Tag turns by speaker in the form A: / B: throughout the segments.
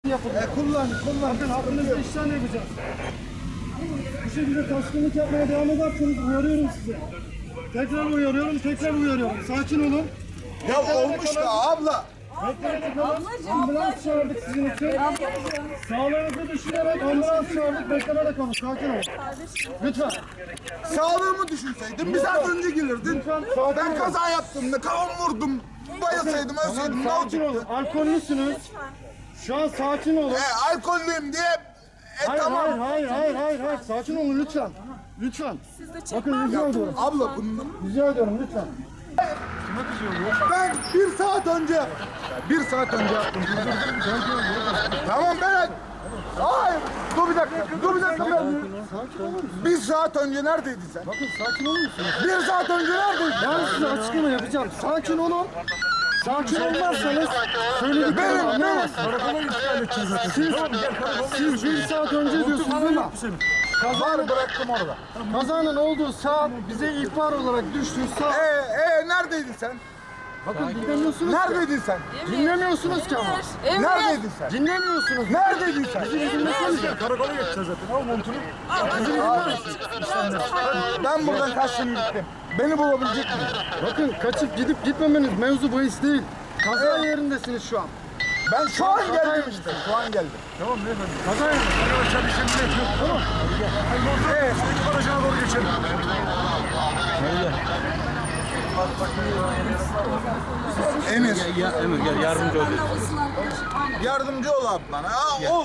A: Kullan. Bakın hakkınızda işlem yapacağız. Bu şekilde taşkınlık yapmaya devam ederseniz uyarıyorum size. Tekrar uyarıyorum. Sakin olun.
B: Ya olmuş da abla.
A: Bekleyin çıkalım. Ambulans çağırdık sizin için. Sağlığınızı düşünerek ambulans çağırdık. Beklenerek olun. Sakin olun. Lütfen.
B: Sağlığımı düşünseydin bir saat önce gelirdin.
A: Lütfen sakin
B: Ben
A: olun.
B: kaza yaptım da kafamı vurdum. Bayılsaydım ölseydim ne
A: Sakin olun.
B: olacaktı?
A: Alkollüsünüz. Şu an sakin olun.
B: Alkollüyüm diye
A: Hayır,
B: tamam.
A: hayır. Sakin olun lütfen. Lütfen. Bakın rica ediyorum.
B: Abla bunu
A: Rica ediyorum lütfen.
B: ben bir saat önce yaptım. Tamam ben. Hayır. Dur bir dakika.
A: Sakin olur musunuz?
B: Bir saat önce neredeydin sen?
A: Bakın sakin olur musunuz?
B: Bir saat önce neredeydin?
A: Ben size açıklama yapacağım. Sakin olun. Sakin olmazsanız söylediklerimi anlayamazsınız.
C: Karakola işgal edeceğiz zaten.
A: Siz bir saat önce diyorsunuz ama
B: Var bıraktım orada.
A: kazanın olduğu saat bize ihbar olarak düştü saat.
B: Neredeydin sen?
A: Bakın dinlemiyorsunuz ki.
B: Neredeydin sen?
A: Dinlemiyorsunuz ki ama.
B: Neredeydin sen?
A: Dinlemiyorsunuz.
B: Neredeydin sen?
C: Karakola geçeceğiz zaten. Al montunu.
B: Ben buradan kaçtım gittim. Beni bulabilecek miyim?
A: Bakın kaçıp gidip gitmemeniz mevzu bahis değil. Kaza yerindesiniz şu an.
B: Ben şu an geldim işte. Şu an geldim.
C: Tamam beyefendi. Kaza yaptık. Arkadaşlar işlemini yapıyoruz. Tamam. Ekip aracına doğru geçelim.
B: Emir.
D: Emir gel yardımcı ol.
B: Yardımcı ol abi bana. Ol.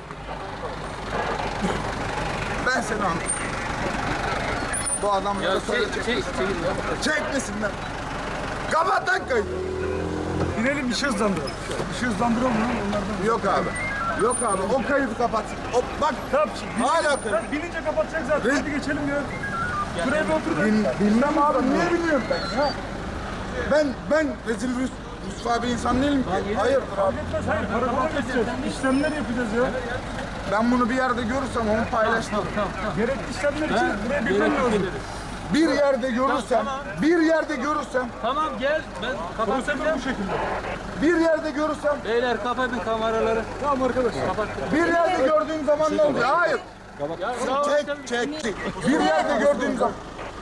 B: Ben seni anladım. Bu adam
D: Ya
B: da söyleyecek. Çekmesinler. Kapat lan kayıt.
C: İnelim bir şey hızlandıralım. Bir şey hızlandıralım lan onlardan.
B: Yok abi. Yok abi. O kaydı kapat. Bak.
C: Tamam.
B: Hala kayıt.
C: Binince kapatacak zaten. Hadi geçelim ya. Buraya bir otur.
B: Bilmem abi. Niye bilmiyorum ben ya? Ben rezil rüsva bir insan değilim ki. Hayır.
C: Yetmez, hayır. Karakola geçeceğiz. İşlemler yapacağız ya.
B: Ben bunu bir yerde görürsem onu paylaştım.
C: Gerekli işlemler için buraya bilmem lazım.
B: Bir yerde görürsem,
D: Tamam gel ben kapatacağım.
C: Bu şekilde.
B: bir yerde görürsem,
D: Beyler kapatın kameraları.
C: Tamam arkadaş.
B: bir yerde gördüğüm zaman ne oluyor? Hayır. Çek. Bir yerde gördüğüm zaman.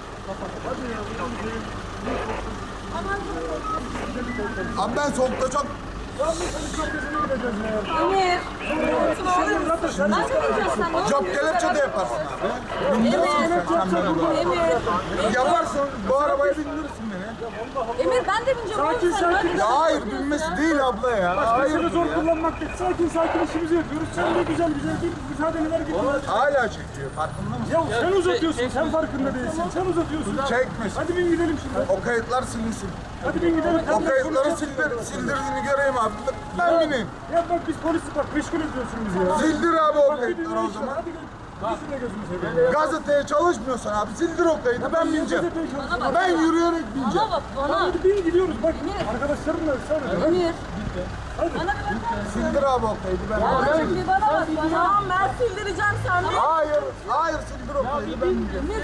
B: Abi ben soğukta çok
E: Emir. Nasıl bineceğiz sen? Ne
B: job kelepçe de yaparsın abi.
E: Emir.
B: Yaparsın, bu arabaya bindirirsin beni.
E: Emir ben de bineceğim.
C: Sakin,
E: Oğlum sen
C: sakin.
E: hadi.
B: Ya hayır, binmesi değil abla ya. Hayır.
C: Seni zor kullanmak değil. Sakin işimizi yapıyoruz. Sen de güzel git. Müsaadeler git.
B: Hala çekiyor, farkında mısın?
C: Ya sen uzatıyorsun. Sen farkında değilsin. Sen uzatıyorsun.
B: Çekmesin.
C: Hadi bin gidelim şimdi.
B: O kayıtlar silinsin.
C: Hadi bin gidelim.
B: O kayıtları sildirdiğini göreyim abi. Ben bineyim.
C: Ya bak biz polisi bak meşgul ediyorsun bizi ya.
B: Sildir abi o
C: Bak bir
B: kayıtları
C: dinle
B: o
C: işte.
B: zaman.
C: Hadi gel. Gözüne gözünü seveyim.
B: Gazeteye çalışmıyorsan abi sildir o kaydı, ben bineceğim.
E: Bana bak.
B: Ben yürüyerek bineceğim.
E: Bana bak bana.
C: Hadi bin gidiyoruz bak. Arkadaşlarımla ısrar ediyorum.
E: Emir. Bana bir bakar mısın?
B: Sildir abi o kaydı, ben
E: Ya
B: bineceğim.
E: şimdi bana bak bana. Tamam ben sildireceğim sen de.
B: Hayır sildir o kaydı, ben bineceğim.
E: Emir.